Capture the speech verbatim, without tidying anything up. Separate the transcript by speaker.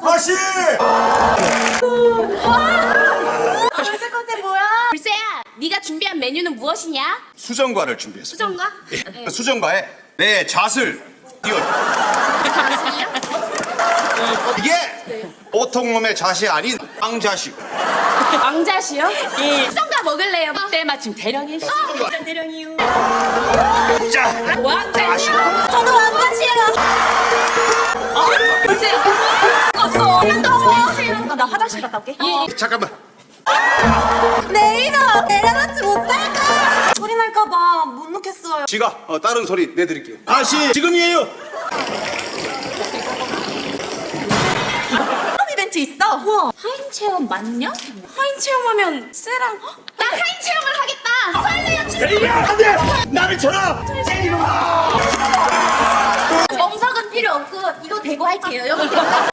Speaker 1: 아씨!
Speaker 2: 벌써 컨셉 뭐야?
Speaker 3: 불새야, 네가 준비한 메뉴는 무엇이냐?
Speaker 1: 수정과를 준비했어.
Speaker 3: 수정과?
Speaker 1: 예. 수정과에 내 잣을 띄워. 이게 보통 놈의 잣이 아닌 빵잣이고.
Speaker 3: 왕자시요? 예. 수정과 먹을래요? 때마침 대령이.
Speaker 1: 수정과.
Speaker 3: 대령이요.
Speaker 1: 자,
Speaker 3: 왕자시요?
Speaker 2: 저도 왕자시에요.
Speaker 3: 불새야. 없어.
Speaker 2: 아, 나 화장실 갔다 올게.
Speaker 3: 예.
Speaker 1: 잠깐만.
Speaker 2: 내일아 내려놓지 못할까? 소리 날까봐 못 놓겠어요.
Speaker 1: 지가 어, 다른 소리 내드릴게요. 아씨, 지금이에요.
Speaker 2: 그런 이벤트 있어? 우와.
Speaker 3: 하인 체험 맞냐? 하인 체험하면 쎄랑. 나 하인 체험을 하겠다. 설레요 주.
Speaker 1: 에이야, 안 돼! 나를 쳐라!
Speaker 3: 정석은 필요 없고 이거 대고 할게요. 여기.